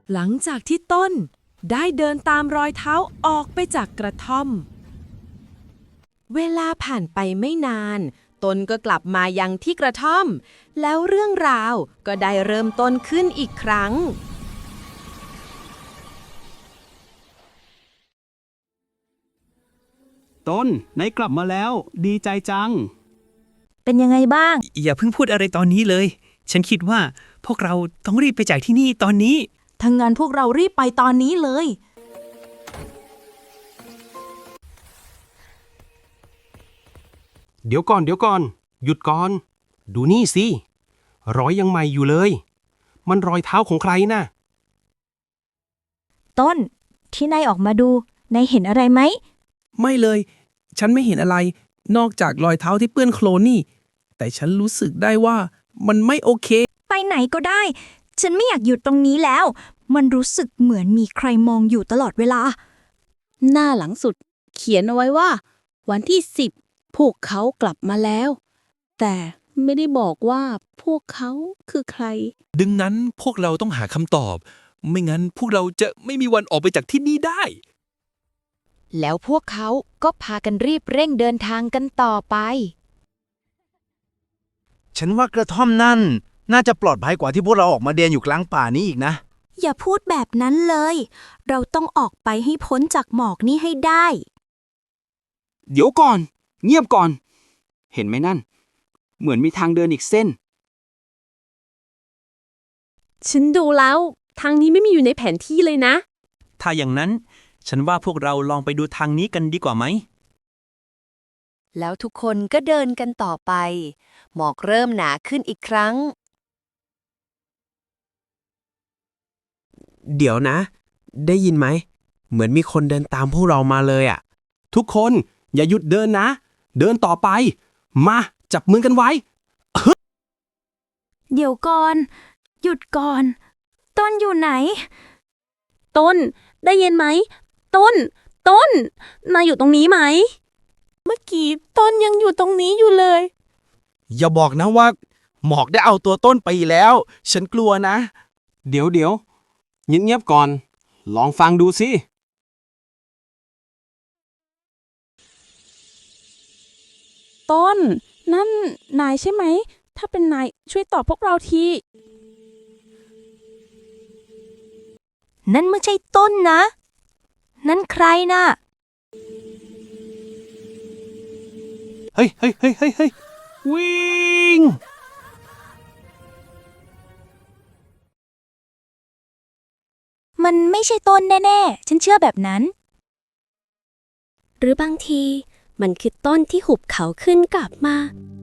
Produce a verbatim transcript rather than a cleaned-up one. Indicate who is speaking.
Speaker 1: หลังจากที่ต้นได้เดินตามรอยเท้าออกไปจากกระท่อมเวลาผ่านไปไม่นานต้นก็กลับมายังที่กระท่อมแล้วเรื่องราวก็ได้เริ่มต้นขึ้นอีกครั้ง
Speaker 2: ต้นนายกลับมาแล้วดีใจจัง
Speaker 3: เป็นยังไงบ้าง
Speaker 4: อย่าเพิ่งพูดอะไรตอนนี้เลยฉันคิดว่าพวกเราต้องรีบไปจากที่นี่ตอนนี้
Speaker 3: ทั้งงั้นพวกเรารีบไปตอนนี้เลย
Speaker 2: เดี๋ยวก่อนเดี๋ยวก่อนหยุดก่อนดูนี่สิรอยยังใหม่อยู่เลยมันรอยเท้าของใครน่ะ
Speaker 3: ต้นที่นายออกมาดูนายเห็นอะไรไหม
Speaker 5: ไม่เลยฉันไม่เห็นอะไรนอกจากรอยเท้าที่เปื้อนโคลนนี่แต่ฉันรู้สึกได้ว่ามันไม่โอเค
Speaker 3: ไปไหนก็ได้ฉันไม่อยากอยู่ตรงนี้แล้วมันรู้สึกเหมือนมีใครมองอยู่ตลอดเวลา
Speaker 6: หน้าหลังสุดเขียนเอาไว้ว่าวันที่สิบพวกเขากลับมาแล้วแต่ไม่ได้บอกว่าพวกเขาคือใคร
Speaker 7: ดังนั้นพวกเราต้องหาคำตอบไม่งั้นพวกเราจะไม่มีวันออกไปจากที่นี่ได้
Speaker 8: แล้วพวกเขาก็พากันรีบเร่งเดินทางกันต่อไป
Speaker 9: ฉันว่ากระท่อมนั่นน่าจะปลอดภัยกว่าที่พวกเราออกมาเดินอยู่กลางป่านี้อีกนะ
Speaker 3: อย่าพูดแบบนั้นเลยเราต้องออกไปให้พ้นจากหมอกนี้ให้ได้
Speaker 10: เดี๋ยวก่อนเงียบก่อนเห็นไหมนั่นเหมือนมีทางเดินอีกเส้น
Speaker 6: ฉันดูแล้วทางนี้ไม่มีอยู่ในแผนที่เลยนะ
Speaker 4: ถ้าอย่างนั้นฉันว่าพวกเราลองไปดูทางนี้กันดีกว่าไหม
Speaker 8: แล้วทุกคนก็เดินกันต่อไปหมอกเริ่มหนาขึ้นอีกครั้ง
Speaker 5: เดี๋ยวนะได้ยินไหมเหมือนมีคนเดินตามพวกเรามาเลยอ่ะ
Speaker 2: ทุกคนอย่าหยุดเดินนะเดินต่อไปมาจับมือกันไว้
Speaker 3: เดี๋ยวก่อนหยุดก่อนต้นอยู่ไหน
Speaker 6: ต้นได้ยินไหมต้นต้นนายอยู่ตรงนี้ไหมเมื่อกี้ต้นยังอยู่ตรงนี้อยู่เลย
Speaker 9: อย่าบอกนะว่าหมอกได้เอาตัวต้นไปแล้วฉันกลัวนะ
Speaker 2: เดี๋ยวเดี๋ยวเงียบๆก่อนลองฟังดูสิ
Speaker 6: ต้นนั่นนายใช่ไหมถ้าเป็นนายช่วยตอบพวกเราที
Speaker 3: นั่นไม่ใช่ต้นนะนั่นใครน่ะ
Speaker 2: เฮ้ยเฮ้ยเฮ้ยเฮ้ยเฮ้ยวิ่ง
Speaker 3: มันไม่ใช่ต้นแน่ๆฉันเชื่อแบบนั้น
Speaker 11: หรือบางทีมันคือต้นที่หุบเขาขึ้นกลับมา